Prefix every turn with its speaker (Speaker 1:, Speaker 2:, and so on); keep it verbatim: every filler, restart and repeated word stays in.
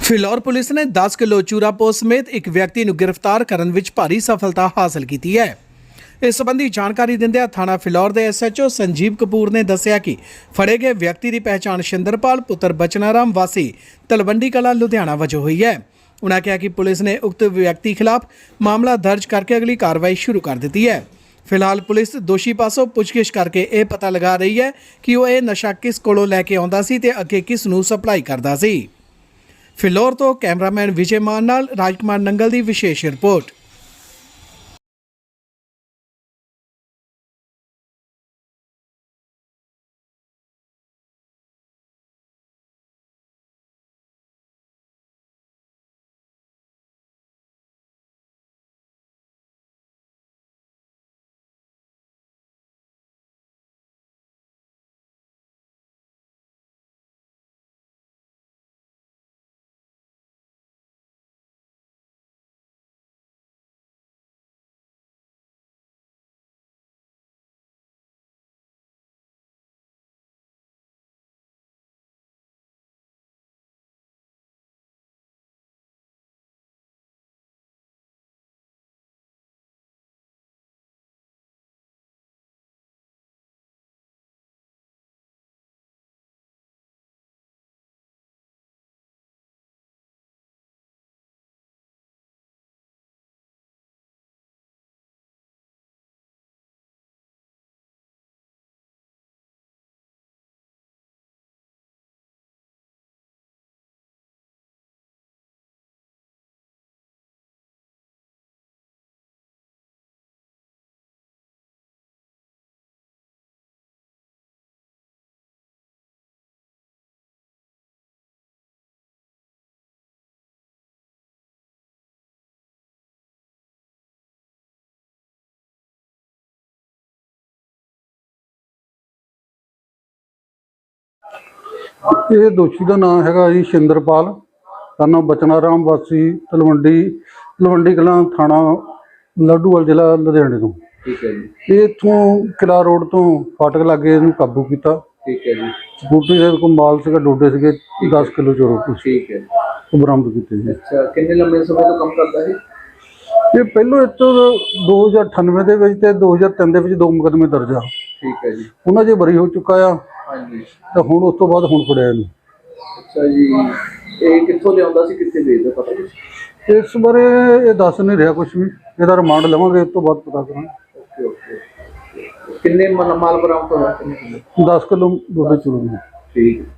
Speaker 1: Phillaur police ਨੇ ਦਸ kilo ਚੂਰਾਪੋ ਸਮੇਤ ਇੱਕ ਵਿਅਕਤੀ ਨੂੰ ਗ੍ਰਿਫਤਾਰ ਕਰਨ ਵਿੱਚ ਭਾਰੀ ਸਫਲਤਾ ਹਾਸਲ ਕੀਤੀ ਹੈ। ਇਸ ਸੰਬੰਧੀ ਜਾਣਕਾਰੀ ਦਿੰਦਿਆਂ ਥਾਣਾ ਫਿਲੌਰ ਦੇ S H O Sanjeev Kapoor ਨੇ ਦੱਸਿਆ ਕਿ ਫੜੇ ਗਏ ਵਿਅਕਤੀ ਦੀ ਪਹਿਚਾਣ ਸ਼ਿੰਦਰਪਾਲ ਪੁੱਤਰ ਬਚਨਾਰਾਮ ਵਾਸੀ ਤਲਵੰਡੀ ਕਲਾਂ ਲੁਧਿਆਣਾ ਵਜੋਂ ਹੋਈ ਹੈ। ਉਨ੍ਹਾਂ ਕਿਹਾ ਕਿ ਪੁਲਿਸ ਨੇ ਉਕਤ ਵਿਅਕਤੀ ਖਿਲਾਫ ਮਾਮਲਾ ਦਰਜ ਕਰਕੇ ਅਗਲੀ ਕਾਰਵਾਈ ਸ਼ੁਰੂ ਕਰ ਦਿੱਤੀ ਹੈ। ਫਿਲਹਾਲ ਪੁਲਿਸ ਦੋਸ਼ੀ ਪਾਸੋਂ ਪੁੱਛਗਿੱਛ ਕਰਕੇ ਇਹ ਪਤਾ ਲਗਾ ਰਹੀ ਹੈ ਕਿ ਉਹ ਇਹ ਨਸ਼ਾ ਕਿਸ ਕੋਲੋਂ ਲੈ ਕੇ ਆਉਂਦਾ ਸੀ ਤੇ ਅੱਗੇ ਕਿਸ ਨੂੰ ਸਪਲਾਈ ਕਰਦਾ ਸੀ। ਫਿਲੌਰ ਤੋਂ ਕੈਮਰਾਮੈਨ ਵਿਜੇ ਮਾਨ ਨਾਲ ਰਾਜਕੁਮਾਰ ਨੰਗਲ ਦੀ ਵਿਸ਼ੇਸ਼ ਰਿਪੋਰਟ।
Speaker 2: ਇਹ ਦੋਸ਼ੀ ਦਾ ਨਾਮ ਹੈਗਾ ਜੀ ਸ਼ਿੰਦਰਪਾਲ, ਸਾਨੂੰ ਬਚਨਾਰਾਮ ਵਾਸੀ ਤਲਵੰਡੀ ਤਲਵੰਡੀ ਕਲਾਂ ਥਾਣਾ ਲੱਡੂਵਾਲ ਜ਼ਿਲ੍ਹਾ ਲੁਧਿਆਣੇ ਤੋਂ।
Speaker 3: ਠੀਕ ਹੈ ਜੀ।
Speaker 2: ਇਹ ਇੱਥੋਂ ਕਿਲਾ ਰੋਡ ਤੋਂ ਫਾਟਕ ਲਾਗੇ ਇਹਨੂੰ ਕਾਬੂ ਕੀਤਾ।
Speaker 3: ਠੀਕ ਹੈ ਜੀ।
Speaker 2: ਸਕੂਟੀ ਦੇ ਕੋਲ ਮਾਲ ਸੀਗਾ, ਡੋਡੇ ਸੀਗੇ ਦਸ ਕਿਲੋ ਚੋਰੋ
Speaker 3: ਠੀਕ ਹੈ।
Speaker 2: ਉਹ ਬਰਾਮਦ ਕੀਤੇ ਜੀ।
Speaker 3: ਅੱਛਾ, ਕਿੰਨੇ ਲੰਮੇ ਸਮੇਂ ਤੋਂ ਕੰਮ ਕਰਦਾ ਹੈ
Speaker 2: ਇਹ? ਪਹਿਲੋਂ ਇੱਥੋਂ ਦੋ ਹਜ਼ਾਰ ਅਠਾਨਵੇਂ ਦੇ ਵਿੱਚ ਤੇ ਦੋ ਹਜ਼ਾਰ ਤਿੰਨ ਦੇ ਵਿੱਚ ਦੋ ਮੁਕੱਦਮੇ ਦਰਜ ਆ।
Speaker 3: ਠੀਕ ਹੈ ਜੀ।
Speaker 2: ਉਹਨਾਂ 'ਚ ਬਰੀ ਹੋ ਚੁੱਕਾ ਆ।
Speaker 3: ਹਾਂਜੀ।
Speaker 2: ਤਾਂ ਹੁਣ ਉਸ ਤੋਂ ਬਾਅਦ ਹੁਣ ਫੜਿਆ ਇਹਨੂੰ।
Speaker 3: ਅੱਛਾ ਜੀ, ਇਹ ਕਿੱਥੋਂ ਲਿਆਉਂਦਾ ਸੀ, ਕਿੱਥੇ ਵੇਚਦਾ, ਪਤਾ ਕੁਛ?
Speaker 2: ਇਸ ਬਾਰੇ ਇਹ ਦੱਸ ਨਹੀਂ ਰਿਹਾ ਕੁਝ ਵੀ। ਇਹਦਾ ਰਿਮਾਂਡ ਲਵਾਂਗੇ, ਉਸ ਤੋਂ ਬਾਅਦ ਪਤਾ ਕਰਾਂਗੇ।
Speaker 3: Okay okay. ਕਿੰਨੇ ਮਾਲ ਮਾਲ ਬਰਾਮਦ ਹੋਇਆ? ਕਿੰਨੇ ਕਿਲੋ?
Speaker 2: ਦਸ ਕਿਲੋ ਡੋਡੇ ਚੋਰੋ।
Speaker 3: ਠੀਕ।